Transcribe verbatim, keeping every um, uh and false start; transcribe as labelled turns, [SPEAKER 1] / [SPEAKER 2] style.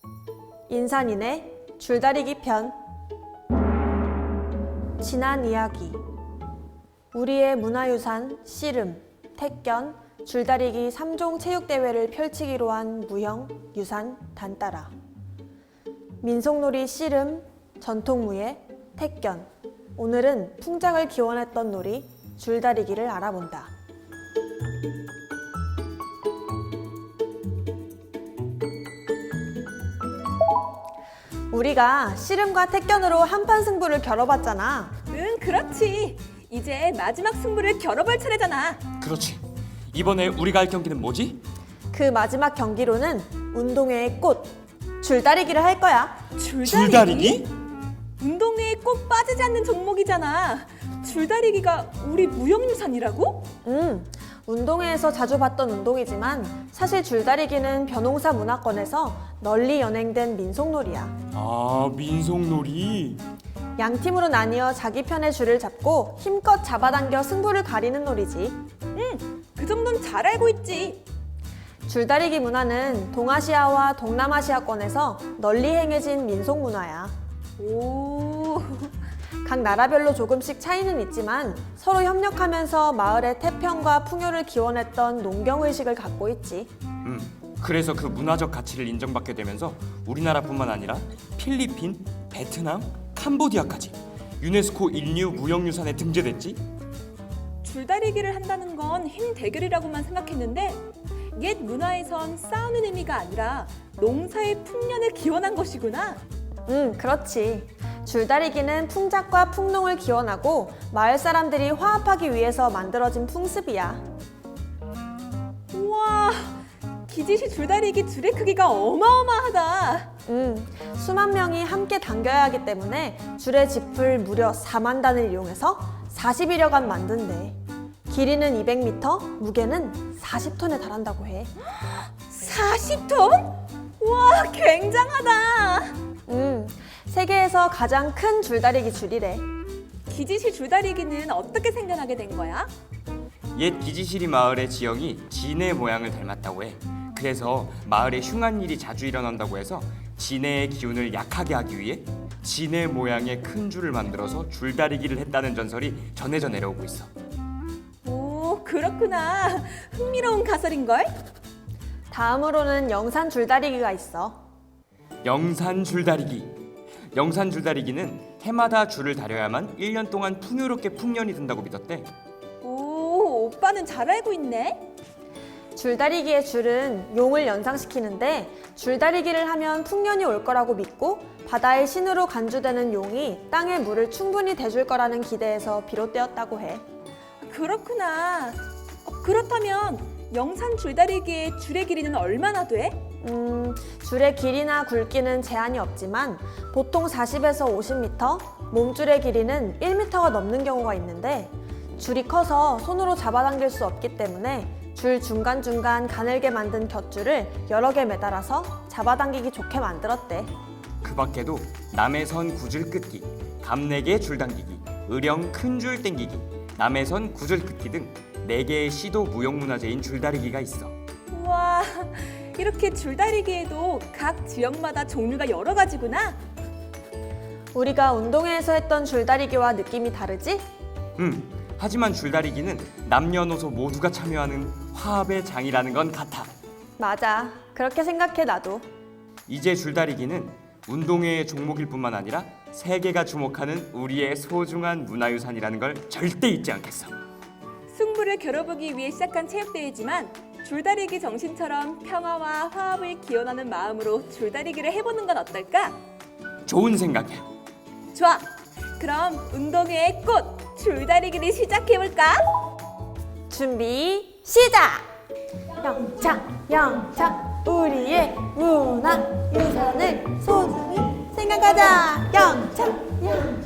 [SPEAKER 1] 인산인의 줄다리기 편. 지난 이야기. 우리의 문화유산 씨름, 택견, 줄다리기 삼 종 체육대회를 펼치기로 한 무형, 유산, 단따라. 민속놀이 씨름, 전통무예, 택견. 오늘은 풍작을 기원했던 놀이, 줄다리기를 알아본다. 우리가 씨름과 택견으로 한판 승부를 겨뤄봤잖아.
[SPEAKER 2] 응, 그렇지. 이제 마지막 승부를 겨뤄볼 차례잖아.
[SPEAKER 3] 그렇지. 이번에 우리가 할 경기는 뭐지?
[SPEAKER 1] 그 마지막 경기로는 운동회의 꽃, 줄다리기를 할 거야.
[SPEAKER 2] 줄다리기?
[SPEAKER 3] 줄다리기?
[SPEAKER 2] 운동회에 꼭 빠지지 않는 종목이잖아. 줄다리기가 우리 무형유산이라고?
[SPEAKER 1] 음, 운동회에서 자주 봤던 운동이지만 사실 줄다리기는 벼농사 문화권에서 널리 연행된 민속놀이야.
[SPEAKER 3] 아, 민속놀이.
[SPEAKER 1] 양팀으로 나뉘어 자기 편의 줄을 잡고 힘껏 잡아당겨 승부를 가리는 놀이지.
[SPEAKER 2] 응, 그 정도는 잘 알고 있지.
[SPEAKER 1] 줄다리기 문화는 동아시아와 동남아시아권에서 널리 행해진 민속 문화야.
[SPEAKER 2] 오,
[SPEAKER 1] 각 나라별로 조금씩 차이는 있지만 서로 협력하면서 마을의 태평과 풍요를 기원했던 농경의식을 갖고 있지.
[SPEAKER 3] 음, 그래서 그 문화적 가치를 인정받게 되면서 우리나라뿐만 아니라 필리핀, 베트남, 캄보디아까지 유네스코 인류 무형유산에 등재됐지.
[SPEAKER 2] 줄다리기를 한다는 건 힘 대결이라고만 생각했는데 옛 문화에선 싸우는 의미가 아니라 농사의 풍년을 기원한 것이구나.
[SPEAKER 1] 음, 그렇지. 줄다리기는 풍작과 풍농을 기원하고 마을 사람들이 화합하기 위해서 만들어진 풍습이야.
[SPEAKER 2] 우와, 기지시 줄다리기 줄의 크기가 어마어마하다.
[SPEAKER 1] 음, 수만 명이 함께 당겨야 하기 때문에 줄의 짚을 무려 사만 단을 이용해서 사십일여간 만든대. 길이는 이백 미터, 무게는 사십 톤에 달한다고 해.
[SPEAKER 2] 사십 톤? 와, 굉장하다.
[SPEAKER 1] 음, 세계에서 가장 큰 줄다리기 줄이래.
[SPEAKER 2] 기지시 줄다리기는 어떻게 생겨나게 된 거야?
[SPEAKER 3] 옛 기지시리 마을의 지형이 진해 모양을 닮았다고 해. 그래서 마을에 흉한 일이 자주 일어난다고 해서 진해의 기운을 약하게 하기 위해 진해 모양의 큰 줄을 만들어서 줄다리기를 했다는 전설이 전해져 내려오고 있어.
[SPEAKER 2] 오, 그렇구나. 흥미로운 가설인걸?
[SPEAKER 1] 다음으로는 영산 줄다리기가 있어.
[SPEAKER 3] 영산 줄다리기. 영산 줄다리기는 해마다 줄을 다려야만 일 년 동안 풍요롭게 풍년이 든다고 믿었대.
[SPEAKER 2] 오, 오빠는 잘 알고 있네.
[SPEAKER 1] 줄다리기의 줄은 용을 연상시키는데 줄다리기를 하면 풍년이 올 거라고 믿고 바다의 신으로 간주되는 용이 땅에 물을 충분히 대줄 거라는 기대에서 비롯되었다고 해.
[SPEAKER 2] 그렇구나. 어, 그렇다면 영산 줄다리기의 줄의 길이는 얼마나 돼?
[SPEAKER 1] 음, 줄의 길이나 굵기는 제한이 없지만 보통 사십에서 오십 미터, 몸줄의 길이는 일 미터가 넘는 경우가 있는데 줄이 커서 손으로 잡아당길 수 없기 때문에 줄 중간중간 가늘게 만든 곁줄을 여러 개 매달아서 잡아당기기 좋게 만들었대.
[SPEAKER 3] 그 밖에도 남해선 구줄 끄기, 감내개 줄 당기기, 의령 큰 줄 땡기기, 남해선 구줄 끄기 등 네 개의 시도 무형문화재인 줄다리기가 있어.
[SPEAKER 2] 우와, 이렇게 줄다리기에도 각 지역마다 종류가 여러 가지구나.
[SPEAKER 1] 우리가 운동회에서 했던 줄다리기와 느낌이 다르지?
[SPEAKER 3] 음, 하지만 줄다리기는 남녀노소 모두가 참여하는 화합의 장이라는 건 같아.
[SPEAKER 1] 맞아. 그렇게 생각해 나도.
[SPEAKER 3] 이제 줄다리기는 운동회의 종목일 뿐만 아니라 세계가 주목하는 우리의 소중한 문화유산이라는 걸 절대 잊지 않겠어.
[SPEAKER 2] 승부를 겨뤄보기 위해 시작한 체육대회지만 줄다리기 정신처럼 평화와 화합을 기원하는 마음으로 줄다리기를 해보는 건 어떨까?
[SPEAKER 3] 좋은 생각이야.
[SPEAKER 2] 좋아! 그럼 운동회의 꽃, 줄다리기를 시작해볼까?
[SPEAKER 1] 준비 시작! 영차 영차 우리의 문화 유산을 소중히 생각하자. 영차 영차